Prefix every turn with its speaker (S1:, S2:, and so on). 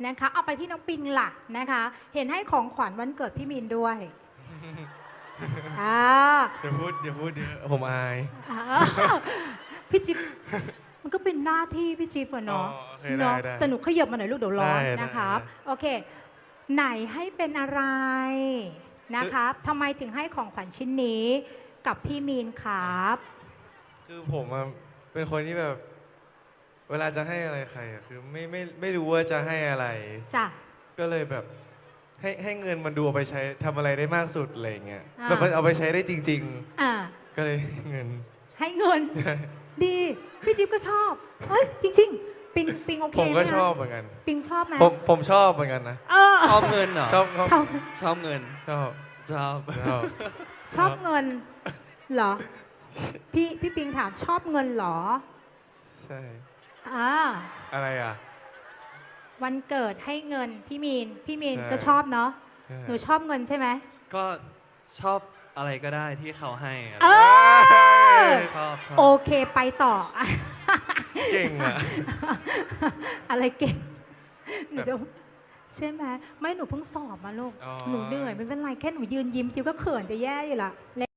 S1: นะคะเอาไปที่น้องปิงล่ะนะคะ เห็นให้ของขวัญวันเกิดพี่มีนด้วยอ่า
S2: อย่าพูดเดี๋ยวผมอาย
S1: อ่าพี่จิ๊บมันก็เป็นหน้าที่พี่จิ๊บอะเนาะ
S2: อ๋อโอเค
S1: เนาะ
S2: ได้
S1: แต่หนูขยับมาหน่อยลูกเดี๋ยวร้อน
S2: ได้
S1: นะครับ
S2: ได้
S1: โอเค ไหนให้เป็นอะไรนะครับทำไมถึงให้ของขวัญชิ้นนี้กับพี่มีนครับ
S2: คือผมอะเป็นคนที่แบบ เวลาจะให้อะไรใครอะคือไม่รู้ว่าจะให้อะไร
S1: จ้ะ
S2: ก็เลยแบบให้เงินมันดูเอาไปใช้ทำอะไรได้มากสุดอะไรอย่างเงี้ย
S1: อ่า
S2: แบบมันเอาไปใช้ได้จริง
S1: อ่า
S2: ๆ ก็เลยให้เงิน
S1: ให้เงิน ดีพี่จิ๊บก็ชอบเฮ้ยจริง ๆ ปิงโอเค
S2: ผม
S1: ไห
S2: ก็
S1: ม
S2: ชอบ
S1: คะ
S2: เหมือนกัน
S1: ปิงชอบไหม
S2: ผมชอบเหมือนกันนะ
S1: เออ
S3: ชอบเงินเหรอ
S2: ชอบ
S1: ชอบ
S3: ชอบเงิน
S2: ชอบ
S3: ชอบ
S2: ชอบ
S1: ชอบเงินเหรอพี่ปิงถามชอบเงินเหรอ
S2: ใช่
S1: อ่า
S2: อะไรอ่ะ
S1: วันเกิดให้เงินพี่มีน
S2: ใช่
S1: ก็ชอบเนาะ
S2: ใช่
S1: หนูชอบเงินใช่ไหม
S3: ก็ชอบอะไรก็ได้ที่เขาให้อะ
S1: เออ
S3: ชอบ
S1: โอเคไปต่อ
S2: เก่งอ่ะ
S1: อะไรเก่งหนูจะใช่ไหมไม่หนูเพิ่งสอบมาลูก
S2: อ๋อ
S1: หนูเหนื่อยไม่เป็นไรแค่หนูยืนยิ้มจิวก็เขินจะแย่อยู่ละ